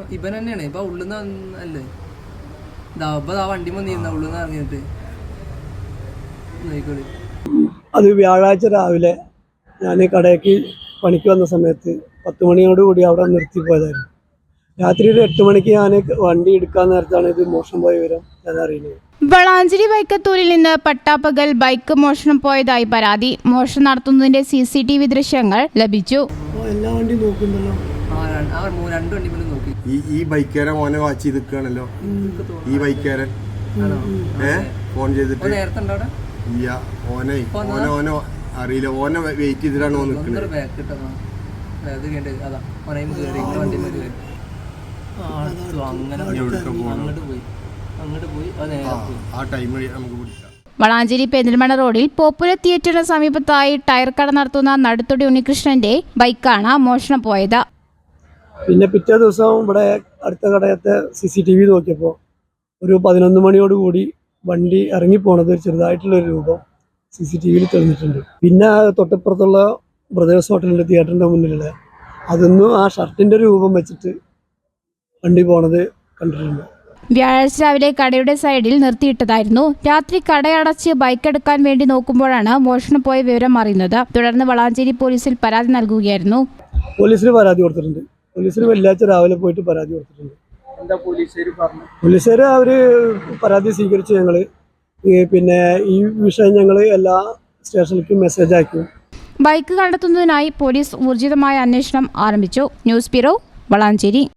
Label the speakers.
Speaker 1: ഇവൻ തന്നെയാണ് ഇപ്പൊ ഉള്ളിന്ന് അല്ലേ വണ്ടി വന്നിരുന്ന ഉള്ളിന്ന് ഇറങ്ങിയിട്ട് നോക്കിക്കോളി.
Speaker 2: അത് വ്യാഴാഴ്ച രാവിലെ ഞാൻ കടയ്ക്ക് പണിക്ക് വന്ന സമയത്ത് 10 മണിയോടുകൂടി അവിടെ നിർത്തി പോയതായിരുന്നു. രാത്രി ഒരു 8 മണിക്ക് ഞാൻ വണ്ടി എടുക്കാൻ നേരത്താണ് ഇത് മോഷണം പോയ വിവരം ഞാൻ അറിയുന്നത്.
Speaker 3: വളാഞ്ചേരി വൈക്കത്തൂരിൽ നിന്ന് പട്ടാപ്പകൽ ബൈക്ക് മോഷണം പോയതായി പരാതി. മോഷണം നടത്തുന്നതിന്റെ CCTV ദൃശ്യങ്ങൾ ലഭിച്ചു.
Speaker 2: എല്ലാ വണ്ടിയും നോക്കുന്നുണ്ടല്ലോ.
Speaker 4: ഈ ബൈക്കാരൻ മോനെ വാച്ച് ചെയ്ത് നിൽക്കുകയാണല്ലോ. ഈ ബൈക്കാരൻ ഫോൺ ചെയ്തിട്ട് ഇല്ല ഓനെ അറിയില്ല. ഓനെ വെയിറ്റ് ചെയ്തിട്ടാണ് ഓൻ നിൽക്കുന്നത്.
Speaker 3: വളാഞ്ചേരി പെരിന്തൽമണ്ണ റോഡിൽ പോപ്പുലർ തിയേറ്ററിന് സമീപത്തായി ടയർ കട നടത്തുന്ന നടുത്തൊടി ഉണ്ണികൃഷ്ണന്റെ ബൈക്കാണ് മോഷണം പോയത്.
Speaker 2: പിന്നെ പിറ്റേ ദിവസം ഇവിടെ അടുത്ത കടയത്തെ CCTV നോക്കിയപ്പോൾ ഒരു 11 മണിയോടുകൂടി വണ്ടി ഇറങ്ങിപ്പോണത് ചെറുതായിട്ടുള്ളൊരു രൂപം CCTVയിൽ തെളിഞ്ഞിട്ടുണ്ട്. പിന്നെ തൊട്ടപ്പുറത്തുള്ള ബ്രദേഴ്സ് ഹോട്ടലിൻ്റെ തിയേറ്ററിൻ്റെ മുന്നിലുള്ള അതൊന്നും ആ ഷർട്ടിൻ്റെ രൂപം വെച്ചിട്ട് വണ്ടി പോണത് കണ്ടിട്ടുണ്ട്.
Speaker 3: വ്യാഴാഴ്ച രാവിലെ കടയുടെ സൈഡിൽ നിർത്തിയിട്ടതായിരുന്നു. രാത്രി കടയടച്ച് ബൈക്ക് എടുക്കാൻ വേണ്ടി നോക്കുമ്പോഴാണ് മോഷണം പോയ വിവരം അറിയുന്നത്. തുടർന്ന് വളാഞ്ചേരി പോലീസിൽ പരാതി നൽകുകയായിരുന്നു.
Speaker 2: പോലീസിന് പരാതി കൊടുത്തിട്ടുണ്ട്. പോലീസിന് വെള്ളിയാഴ്ച രാവിലെ പോയിട്ട് പരാതി കൊടുത്തിട്ടുണ്ട്. പോലീസുകാർ അവർ പരാതി സ്വീകരിച്ച് ഞങ്ങൾ പിന്നെ ഈ വിഷയം ഞങ്ങൾ എല്ലാ സ്റ്റേഷനിലേക്കും മെസ്സേജ് അയക്കും.
Speaker 3: ബൈക്ക് കണ്ടെത്തുന്നതിനായി പോലീസ് ഊർജിതമായ അന്വേഷണം ആരംഭിച്ചു. News bureau, Valanchery.